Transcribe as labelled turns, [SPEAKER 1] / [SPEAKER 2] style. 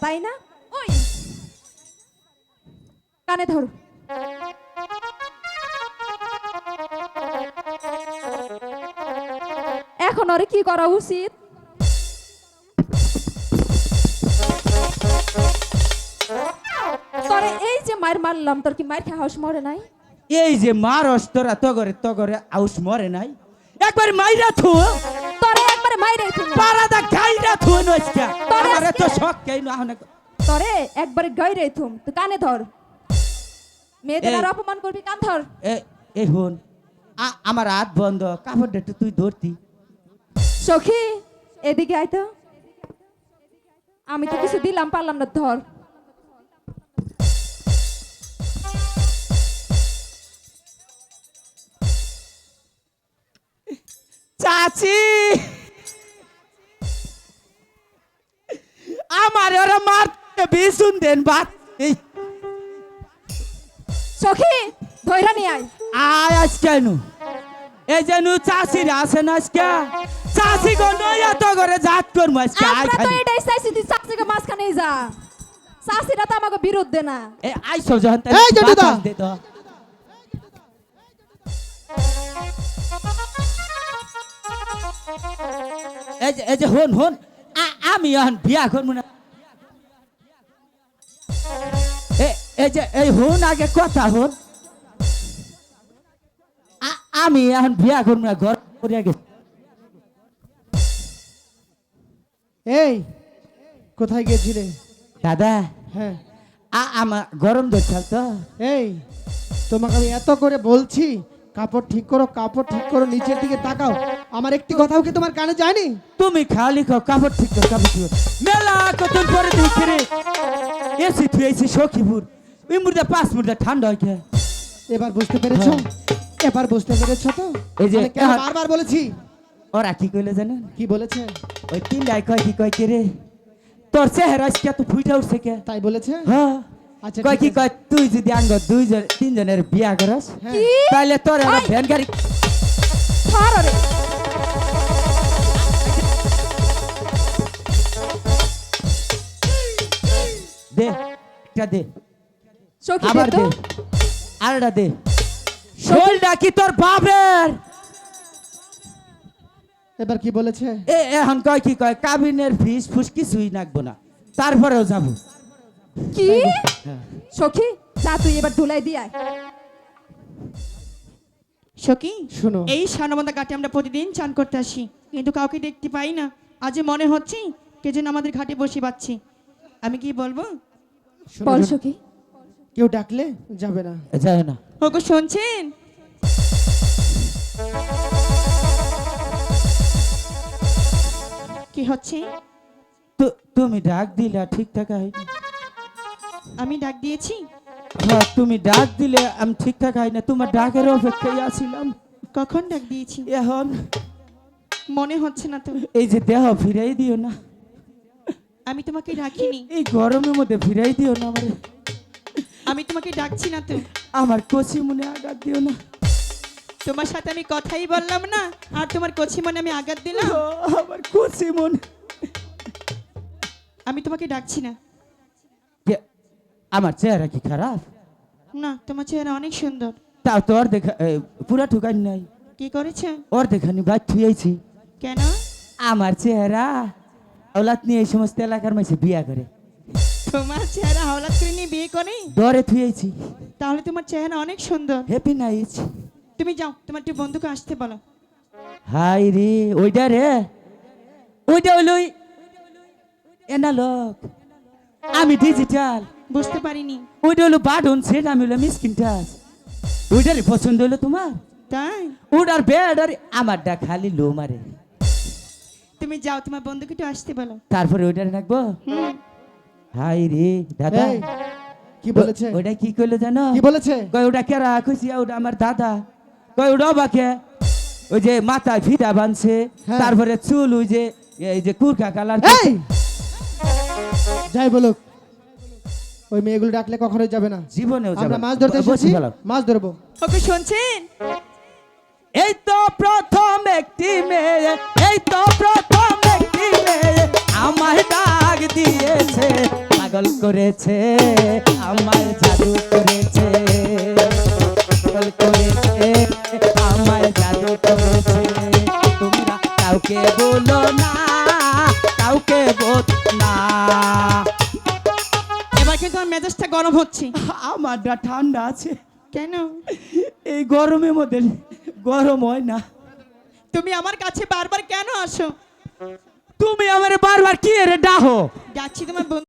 [SPEAKER 1] তাই না? ওই কানে ধরো। এখন ওরে কি করা উচিত? তোরে এই যে মার মারলাম, তোর কি মার খাওয়া মরে নাই?
[SPEAKER 2] এই যে মারস তোরা তগরে আউস মরে নাই, একবার মাইরা থু
[SPEAKER 1] তোরে একবারে মাইরে থুম,
[SPEAKER 2] পারাদা গাইরা থু নইস্কা
[SPEAKER 1] তোরে
[SPEAKER 2] আমারে তো
[SPEAKER 1] আজকে-
[SPEAKER 2] শক কেন আহনে
[SPEAKER 1] তোরে একবারে গাইরে থুম। তুই কানে ধর, মেয়েদের
[SPEAKER 2] এই-
[SPEAKER 1] আর অপমান করবি, কান ধর।
[SPEAKER 2] এই হন আমার হাত বন্ধ, কাপড়টা একটু তুই ধরতি।
[SPEAKER 1] সখী এদিকে আয় তো, আমি তো কিছু দিলাম পারলাম না, ধর।
[SPEAKER 2] চাচি আমার ওরা মারতে বিশুন দেন বাত এই
[SPEAKER 1] সখী ধইরা নিয়ে আয়।
[SPEAKER 2] আয় আজ কেন এই যে নু চাষির আছে না আজকে চাষি গো নয়া তো করে জাত করবো আজকে আয়
[SPEAKER 1] আমরা তো
[SPEAKER 2] খালি
[SPEAKER 1] এটাই চাইছি, তুই চাচিকে মাঝখানে যা। চাচিরা তো আমাকে বিরুদ্ধে না।
[SPEAKER 2] এই আইসো যখন তাই
[SPEAKER 3] এই জন্টুদা।
[SPEAKER 2] বাতাস দে তো। এই যে হন আমি এখন বিয়া করবো না। এই যে এই হন আগে কথা হন, আমি এখন বিয়া করবো না, ঘর করে গেছি।
[SPEAKER 3] এই কোথায় গেছিলে?
[SPEAKER 2] দাদা
[SPEAKER 3] হ্যাঁ
[SPEAKER 2] আমার গরম ধরছাল তো,
[SPEAKER 3] এই তোমাকে আমি এত করে বলছি কাপড় ঠিক করো, কাপড় ঠিক করো, নিচের দিকে তাকাও। আমার একটি কথাও কি তোমার কানে যায়নি?
[SPEAKER 2] তুমি খালি খাও কাপড় ঠিক কর, কাপড় ঠিক কর। মেলা কত পরে দেখি রে এসি তুই এসি সখীপুর ওই মুর্দা 5 মুর্দা ঠান্ডা হয় কে?
[SPEAKER 3] এবার বুঝতে পেরেছো? এবার বুঝতে পেরেছো তো?
[SPEAKER 2] এই যে
[SPEAKER 3] আমি কেন
[SPEAKER 2] এখন-
[SPEAKER 3] বারবার বলেছি?
[SPEAKER 2] ওরা কি কইলে জানেন?
[SPEAKER 3] কি বলেছে?
[SPEAKER 2] ওই তিনটাই কয় কি কয় কে রে তোর চেহারা আজকে এত ফুইটা উঠছে কে?
[SPEAKER 3] তাই বলেছে?
[SPEAKER 2] হ্যাঁ
[SPEAKER 3] আচ্ছা
[SPEAKER 2] কয়
[SPEAKER 3] ঠিক
[SPEAKER 2] কি
[SPEAKER 3] আছে।
[SPEAKER 2] কয় তুই যদি আঙ্গ 2-3 জনের বিয়া করস
[SPEAKER 3] হ্যাঁ।
[SPEAKER 1] কি?
[SPEAKER 2] তাহলে তোর একটা
[SPEAKER 1] ওই!
[SPEAKER 2] ভ্যান গাড়ি
[SPEAKER 1] ধর ওরে।
[SPEAKER 2] দে, একটা দে
[SPEAKER 1] সখী
[SPEAKER 2] আবার
[SPEAKER 1] দে তো।
[SPEAKER 2] দে আরেকটা দে। শোলটা কি তোর বাপের?
[SPEAKER 3] এবার কি বলেছে?
[SPEAKER 2] এখন কয় কি কয় কাবিনের ফিস ফুস কিছুই নাকবো না, তারপরেও যাবো।
[SPEAKER 1] কি? সখী যা তুই এবার ধুলাই দিয়ে আয়।
[SPEAKER 4] সখী
[SPEAKER 3] শোনো
[SPEAKER 4] এই সানবন্ধা ঘাটে আমরা প্রতিদিন চান করতে আসি, কিন্তু কাউকে দেখতে পাই না। আজ মনে হচ্ছে কে যেন আমাদের ঘাটে বসে পাচ্ছি। আমি কি বলবো?
[SPEAKER 3] শোনো,
[SPEAKER 1] বল
[SPEAKER 3] শোনো।
[SPEAKER 1] সখী।
[SPEAKER 3] কেউ ডাকলে যাবে না।
[SPEAKER 2] যায় না
[SPEAKER 4] ওগো শুনছেন? কি হচ্ছে?
[SPEAKER 2] তুমি ডাক দিলা ঠিকঠাক হয়নি।
[SPEAKER 4] আমি ডাক দিয়েছি?
[SPEAKER 2] হ্যাঁ, তুমি ডাক দিলে আমি ঠিকঠাক হয় না, তোমার ডাকের অপেক্ষায় আছিলাম।
[SPEAKER 4] কখন ডাক দিয়েছি?
[SPEAKER 2] এখন
[SPEAKER 4] মনে হচ্ছে না তো।
[SPEAKER 2] এই যে দেহ ফিরাই দিও না,
[SPEAKER 4] আমি তোমাকে ডাকিনি।
[SPEAKER 2] এই গরমের মধ্যে ফিরাই দিও না আমারে।
[SPEAKER 4] আমি তোমাকে ডাকছি না তো।
[SPEAKER 2] আমার কচি মনে আঘাত দিও না।
[SPEAKER 4] তোমার সাথে আমি কথাই বললাম না, আর তোমার কচি মনে আমি আঘাত দিলাম।
[SPEAKER 2] ও, আমার কচি মন।
[SPEAKER 4] আমি তোমাকে ডাকছি না।
[SPEAKER 2] আমার চেহারা কি খারাপ?
[SPEAKER 4] না, তোমার চেহারা অনেক সুন্দর।
[SPEAKER 2] তাও তো ওর দেখা পুরা ঠুকান নাই,
[SPEAKER 4] কি করেছে?
[SPEAKER 2] ওর দেখানি বাদ থুয়েছি।
[SPEAKER 4] কেন?
[SPEAKER 2] আমার চেহারা ওলাত নিয়ে এই সমস্ত এলাকার মাঝে বিয়া করে
[SPEAKER 4] তোমার চেহারা হাওলাত করে নিয়ে বিয়ে করে?
[SPEAKER 2] দরে থুয়েছি।
[SPEAKER 4] তাহলে তোমার চেহারা অনেক সুন্দর।
[SPEAKER 2] Happy night.
[SPEAKER 4] তুমি যাও, তোমার একটু বন্ধুকে আসতে বলো।
[SPEAKER 2] হাই রে ওইটা রে, ওইটা হলো এনা লোক, আমি ডিজিটাল।
[SPEAKER 4] বুঝতে পারিনি।
[SPEAKER 2] ওইটা হলো বাটন সেট, আমি হলো মিসকিন টাচ। ওইটারই পছন্দ হলো তোমার?
[SPEAKER 4] তাই?
[SPEAKER 2] ওটার বেড আর আমারটা খালি লো মারে।
[SPEAKER 4] তুমি যাও, তোমার বন্ধুকে একটু আসতে বলো।
[SPEAKER 2] তারপরে ওইটারে রাখবো।
[SPEAKER 4] হুম।
[SPEAKER 2] হাই রে দাদা,
[SPEAKER 3] এই, কি বলেছে?
[SPEAKER 2] ওইটা কি করলো জানো?
[SPEAKER 3] কি বলেছে?
[SPEAKER 2] কয় ওটা কেরা খুশি, ওটা আমার দাদা। কয় ওটা বাকে ওই যে মাথায় ফিতা বানছে,
[SPEAKER 3] হ্যাঁ।
[SPEAKER 2] তারপরে চুল ওই যে এই যে কুরকা কালার।
[SPEAKER 3] এই যাই বলুক, ওই মেয়েগুলো ডাকলে কখনোই যাবে না।
[SPEAKER 2] জীবনেও যাবে
[SPEAKER 3] আমরা
[SPEAKER 2] না।
[SPEAKER 3] মাছ ধরতে
[SPEAKER 2] বসে
[SPEAKER 3] এসেছি,
[SPEAKER 2] ফেলাও।
[SPEAKER 3] মাছ ধরবো।
[SPEAKER 4] ওকে শুনছেন?
[SPEAKER 2] এই তো প্রথম একটি মেয়ে, এই তো প্রথম একটি মেয়ে আমায় ডাক দিয়েছে, পাগল করেছে আমায় জাদু করেছে পাগল করেছে আমায় জাদু করেছে তোমরা কাউকে বলো না কাউকে বল না
[SPEAKER 4] এবার কিন্তু আমার মেজাজটা গরম হচ্ছে।
[SPEAKER 2] আমারটা ঠান্ডা আছে
[SPEAKER 4] কেন?
[SPEAKER 2] এই গরমের মধ্যে গরম হয় না
[SPEAKER 4] তুমি আমার কাছে বারবার কেন আসো?
[SPEAKER 2] তুমি আমারে বারবার কি রে ডাহো
[SPEAKER 4] যাচ্ছি তোমার বন্ধু